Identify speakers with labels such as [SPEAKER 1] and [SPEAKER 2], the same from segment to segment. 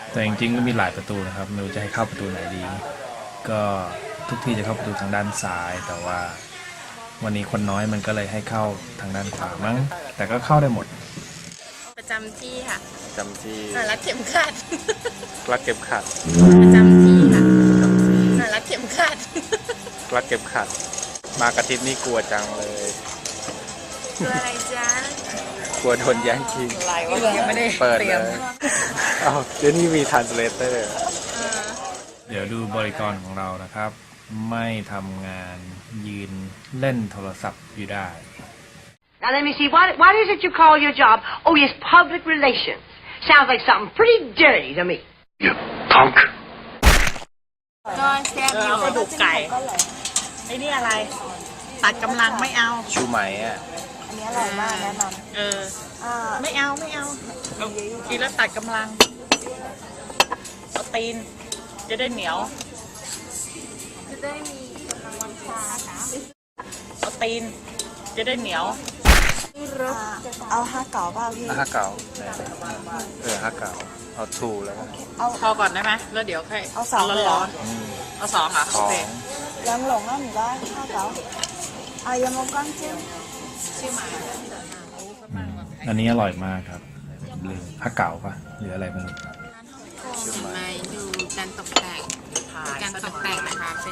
[SPEAKER 1] แต่จริงๆก็มีหลายประตูนะครับไม่รู้จะให้เข้าประตูไหนดีก็ทุกที่จะเข้าประตูทางด้านซ้ายแต่ว่าวันนี้คนน้อยมันก็เลยให้เข้าทางด้านขวามั้งแต่ก็เข้าได้หมด
[SPEAKER 2] ประจำที่ค่ะ
[SPEAKER 3] จำที่
[SPEAKER 2] รัดเข็มขัด
[SPEAKER 3] รัดเข็มขัด
[SPEAKER 2] ประจำที่ค่ะรัดเข็มขัด
[SPEAKER 3] รัดเข็มขัดมากระทิบนี่กลัวจังเลย
[SPEAKER 2] กลัวอะไรจ๊ะ
[SPEAKER 3] กลัวโดนแย่งชิง
[SPEAKER 2] อะไรวะยังไม่ได้
[SPEAKER 3] เปิดเลยอ้าวเดี๋ยวนี้มีทรานสเลเตอร์
[SPEAKER 1] เดี๋ยวดูบริกรของเรานะครับไม่ทำงานยืนเล่นโทรศัพท์อยู่ได้
[SPEAKER 4] Now let me see, what is it you call your job? Oh yes, public relations. Sounds like something pretty dirty to me.
[SPEAKER 3] You punk
[SPEAKER 2] ก็แซ่บอยู่กระดูกไก่ไอ้นี่อะไรตัดกำลังไม่เอา
[SPEAKER 3] ชูไหมอ่ะ
[SPEAKER 5] อันนี้อร่อยมากแนะนำ
[SPEAKER 2] ไม่เอากินแล้วตัดกำลังเอาตีนจะได้เหนียวจะได้มีกำลังวังชาเอาตีนจะได้เหนียว
[SPEAKER 5] เอา5 เก๋าป่ะพี่
[SPEAKER 3] 5 เก๋า5 เก๋าเอาทูแล้วกัน
[SPEAKER 2] พอก่อนได้ไหมแล้วเดี๋ยวค่อย
[SPEAKER 5] เอา2
[SPEAKER 2] ร้อนเอา2อ่ะโอเค
[SPEAKER 5] ยังหลงอ่ะหนูได้5 เก๋ายังมองก้อนจิ้ม
[SPEAKER 2] ชื่อหมา
[SPEAKER 1] อันนี้อร่อยมากครับลืมผ้าเก๋าปะหรืออะไรไม่รู้
[SPEAKER 2] มาดูการตกแต่งนะคะเป็น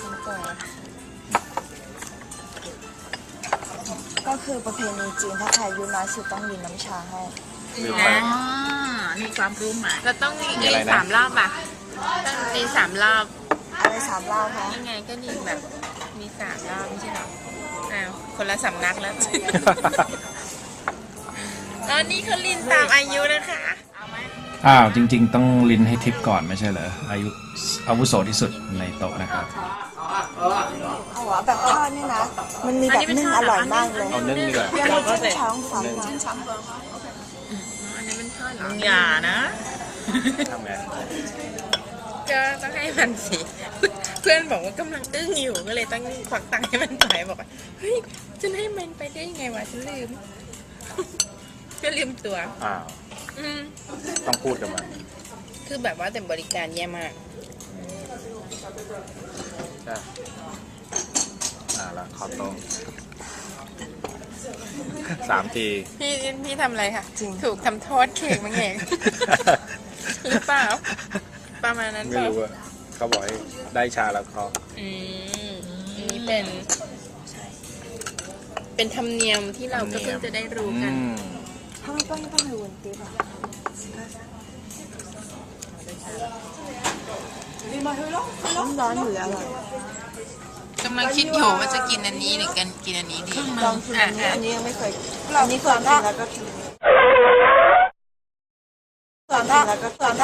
[SPEAKER 5] ก็คือประเพณีจีนถ้าใครอายุน้อยสุดต้องกินน้ำชาให้
[SPEAKER 2] นี่ความรู้ใหม่เราต้องกิน3 รอบอ่ะต้องมี3 รอบ
[SPEAKER 5] อะไร3 รอบคะ
[SPEAKER 2] ยังไงก็ดีแบบมี3 รอบไม่ใช่หรอคนละสำนักแล้วตอนนี้เขาลินตามอายุนะคะ
[SPEAKER 1] จริงๆต้องลิ้นให้ทิปก่อนไม่ใช่เหรออาวุโสที่สุดในโต๊ะนะครับ
[SPEAKER 5] แบบทอดนี่นะมันมีแบบนึ่งอร่อยมากเลย
[SPEAKER 3] เอานึ่งดีกว่า
[SPEAKER 5] เราก็จะช้องฝัง
[SPEAKER 2] อันนี้มันทอดมึงอย่านะ
[SPEAKER 3] ทำไง
[SPEAKER 2] ก็ต้องให้มันสิเพื่อนบอกว่ากำลังอึ้งอยู่ก็เลยต้องควักตังค์ให้มันไปบอกว่าเฮ้ยฉันให้มันไปได้ยังไงวะฉันลืมก็ลืมตัว
[SPEAKER 3] ต้องพูดกับมัน
[SPEAKER 2] คือแบบว่าแต่บริการแย่มาก
[SPEAKER 3] แล้วขอโต๊ะ3 ที
[SPEAKER 2] พี่ทำอะไรคะถูกทำโทษเค้กมั้งเองหรือเปล่าประมาณนั้น
[SPEAKER 3] ไม่รู้อะเขาบอกให้ได้ชาแล้วเขา
[SPEAKER 2] นี่เป็นธรรมเนียมที่เราก็เพิ่งจะได้รู้กัน
[SPEAKER 5] 他们帮你问题吧。ร้อนอยู่แล้ว
[SPEAKER 2] กำลังคิดอยู่ว่าจะกินอันนี้หรือกินอันนี้ดี
[SPEAKER 5] ลองกินอันนี้ยังไม่เคยอันนี้เคยกินแล้วก็กินช้าทำไม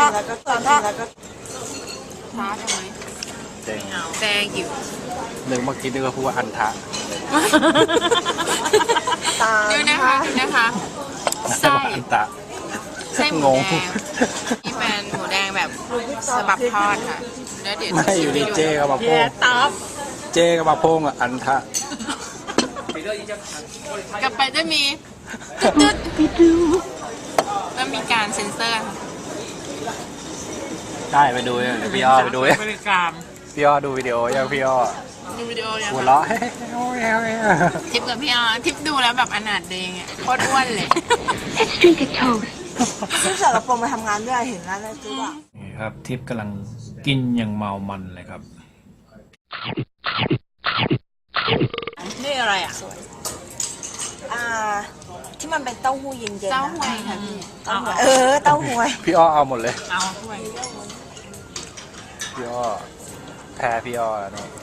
[SPEAKER 2] แซงอยู่
[SPEAKER 3] นึกเมื่อกี้นึกว่าพูดว่าอันทะ
[SPEAKER 2] ดูนะคะไส้หมูแดงนี่เป็นหมูแดงแบบสบับทอดค่ะแล้วเดี๋ยว
[SPEAKER 3] ไม่อยู่ดีเจ๊ก็มาโป้งเจ๊ก็มาโป้งอ่ะอันทะ
[SPEAKER 2] กลับไปจะมีตึ๊ดแล้วมีการเซ็นเซอร์
[SPEAKER 3] ได้ไปดูพี่อ้อไปดู
[SPEAKER 2] บริการ
[SPEAKER 3] พี่อ้อดูวิดีโอยังพี่อ้อ
[SPEAKER 2] ดูวิดีโอยัง
[SPEAKER 3] หัวเราะ
[SPEAKER 2] ทิปกับพี่อ้อทิปดูแล้วแบบอนาถเดงอ่ะโคตรอ้วนเลย
[SPEAKER 5] ซึ่งสารพงมาทำงานด้วยเห็นแล้วเลยคือว่า
[SPEAKER 1] นี่ครับทิปกำลังกินอย่างเมามันเลยครับ
[SPEAKER 2] นี่อะไรอ่ะ
[SPEAKER 5] ที่มันเป็นเต้าหู้เย็นๆ
[SPEAKER 2] เต้าหวยค่ะพี่
[SPEAKER 5] เต้าหวย
[SPEAKER 3] พี่อ้อเอาหมดเลย
[SPEAKER 2] เอาด้วย
[SPEAKER 3] พี่อ้อแพ้พี่อ้อแล้วเนี่ย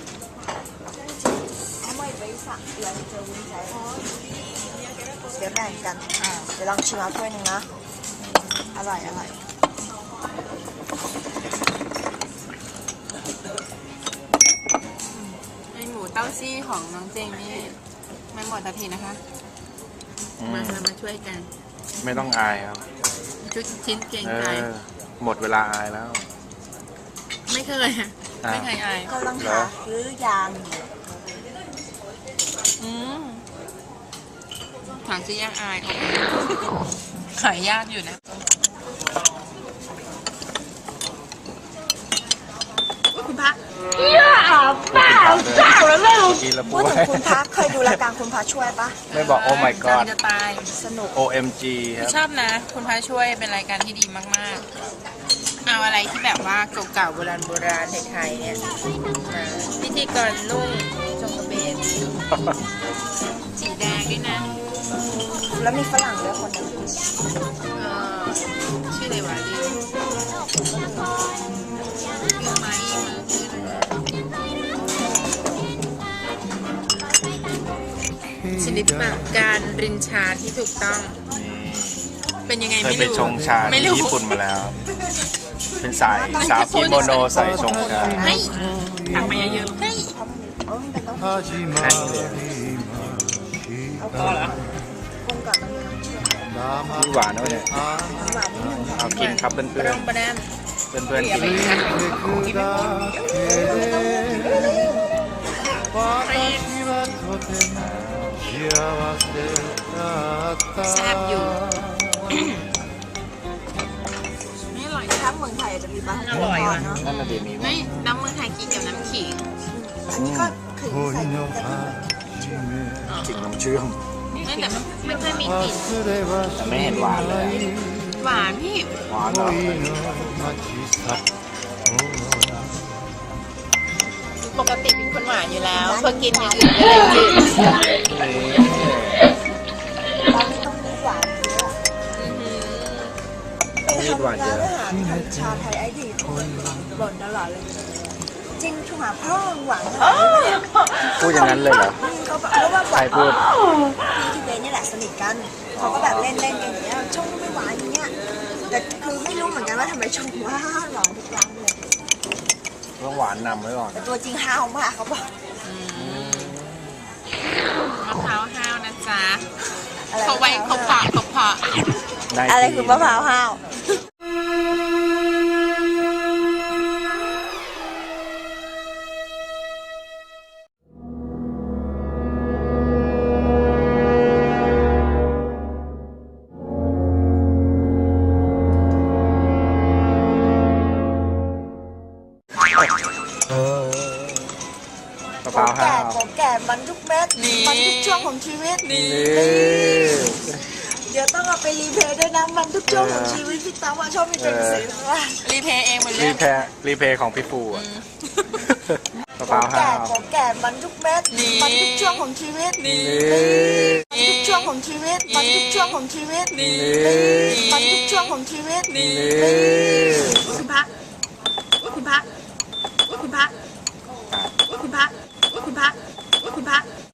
[SPEAKER 5] เดี๋ยวแบ่งกันเดี๋ยวลองชิมเอาถ้วยหนึ่งนะอร่อย
[SPEAKER 2] ไอหมูเต้าซี่ของน้องเจงนี่ไม่หมดทันทีนะคะมาช่วยกัน
[SPEAKER 3] ไม่ต้องอายครับ
[SPEAKER 2] ชุดชิ้นเก่งใจ
[SPEAKER 3] หมดเวลาอายแล้ว
[SPEAKER 2] ไม่เคยอาย
[SPEAKER 5] ก็ต้องหาซื้อยาง
[SPEAKER 2] หาซื้อยากอายขายยากอยู่นะ
[SPEAKER 3] กินแล้ว
[SPEAKER 5] พู
[SPEAKER 3] ป่
[SPEAKER 5] ด
[SPEAKER 3] ว
[SPEAKER 5] ถึ
[SPEAKER 3] ย
[SPEAKER 5] งคุณพระเคยดูรายการคุณพระช่วยปะ
[SPEAKER 3] ไม่บอกโอ้ my god
[SPEAKER 2] จะตาย
[SPEAKER 5] สนุก
[SPEAKER 3] OMG ครับ
[SPEAKER 2] ชอบนะ คุณพระช่วยเป็นรายการที่ดีมากๆ เอาอะไรที่แบบว่าเก่าๆโบราณไทยๆเนี่ยมาพิธีกรนุ่งจงกระเบนสีแดงด้วยนะ
[SPEAKER 5] แล้วมีฝรั่งด้วยคนหนึง
[SPEAKER 2] เอ่อชื่ออะไรวะลืมมาอีมาคือชนิดปากการรินชาที่ถูกต้อง เป็นยังไง
[SPEAKER 3] เคย
[SPEAKER 2] ไม่
[SPEAKER 3] ไป
[SPEAKER 2] รู้
[SPEAKER 3] ชงชา
[SPEAKER 2] ไม่
[SPEAKER 3] ที่
[SPEAKER 2] รู้
[SPEAKER 3] ญี่ปุ่นมาแล้ว เป็นสายสาวกิโมโนใส่ชงชา
[SPEAKER 2] ให้ตักมาเยอะๆให้
[SPEAKER 3] แค่นี้เลย
[SPEAKER 2] พอเหรอ
[SPEAKER 5] กุ้งกับมันมีน้ำเชื่อม
[SPEAKER 3] นี่หวานนะเนี่ย
[SPEAKER 5] หวานนิดนึง
[SPEAKER 3] เอากินครับเพื่อน
[SPEAKER 2] ป
[SPEAKER 3] เพื่
[SPEAKER 2] ร
[SPEAKER 3] อน
[SPEAKER 2] งประแดม
[SPEAKER 3] เพื่อนเพื่อนๆกิน
[SPEAKER 2] แซ่บอยู่
[SPEAKER 5] ไม่อร่อยถ้าเมืองไทยอาจจะมีบ้าง
[SPEAKER 2] อร่อยว่ะ
[SPEAKER 5] เนาะ
[SPEAKER 3] นั่นน่ะดีมีมั้
[SPEAKER 2] เฮ้
[SPEAKER 3] ย
[SPEAKER 2] ยน้ำมือไทยกินกับน้ำขิง
[SPEAKER 5] อันนี้ก็คือใส่แต่
[SPEAKER 3] จริงน้ำเชื่อม
[SPEAKER 2] ไม่แต่ไม่ค่อยมีกลิ่น
[SPEAKER 3] แต่ไม่เห็นหวานเลย
[SPEAKER 2] หวานพี่
[SPEAKER 3] หวานเหรอ
[SPEAKER 2] ปกติเป็นคนหวานอยู่แล้วพอกินอย่างอื่นก็เลยจืด
[SPEAKER 5] ร้านนี้ต้องมีหวานเยอะ
[SPEAKER 3] ต้องมีหวานเยอะ
[SPEAKER 5] ไปทำร้านอาหารชาไทยไอดีบ่นตลอดเลย จริงถูกหาพ่อหวังอะไรเนี่ย
[SPEAKER 3] พูดอย่างนั้นเลยเหรอ
[SPEAKER 5] เขาแบบเพราะว่า
[SPEAKER 3] ใครพูด
[SPEAKER 5] พี่ที่เบนนี่แหละสนิทกันเขาก็แบบเล่นกันอย่างเงี้ยชงไม่หวานอย่างเงี้ยแต่คือไม่รู้เหมือนกันว่าทำไมชงว่าหวานทุกครั้งเลย
[SPEAKER 3] ต้องหวานนำไว้ก่อน
[SPEAKER 5] แต่ตัวจริงห้าวมากเขาบอก
[SPEAKER 2] มะพร้าวห้าวนะจ๊ะ
[SPEAKER 5] อะไร
[SPEAKER 2] เขาไว้เขาเพาะเขาเพาะ
[SPEAKER 3] ได้
[SPEAKER 5] อะไร
[SPEAKER 3] ที่
[SPEAKER 5] คือมะพร้าวห้าว
[SPEAKER 3] มะพร้าวห้าว
[SPEAKER 5] ของแก่มันทุกเม็ดมันทุกช่วงของชีวิต
[SPEAKER 3] นี่
[SPEAKER 5] เดี๋ยวต้องเอาไปรีเพลย์ด้วยนะมันทุกช่วงของชีวิตพี่ตั้งว่าชอบมีตัวหนังสือว่า
[SPEAKER 2] รีเพย์เองหมดเล
[SPEAKER 3] รี
[SPEAKER 2] ย
[SPEAKER 3] เพย์ของพี่ปูอะมะพร้าวห้าว
[SPEAKER 5] ของแก่มันทุกเม็ดมันทุกช่วงของชีวิต
[SPEAKER 3] นี่
[SPEAKER 5] มันทุกช่วงของชีวิตมันทุกช่วงของชีวิต
[SPEAKER 3] นี่
[SPEAKER 5] มันทุกช่วงของชีวิต
[SPEAKER 3] นี่
[SPEAKER 2] คุณพระคุณพระคุณพระคุณพระคุณพระคุณพระ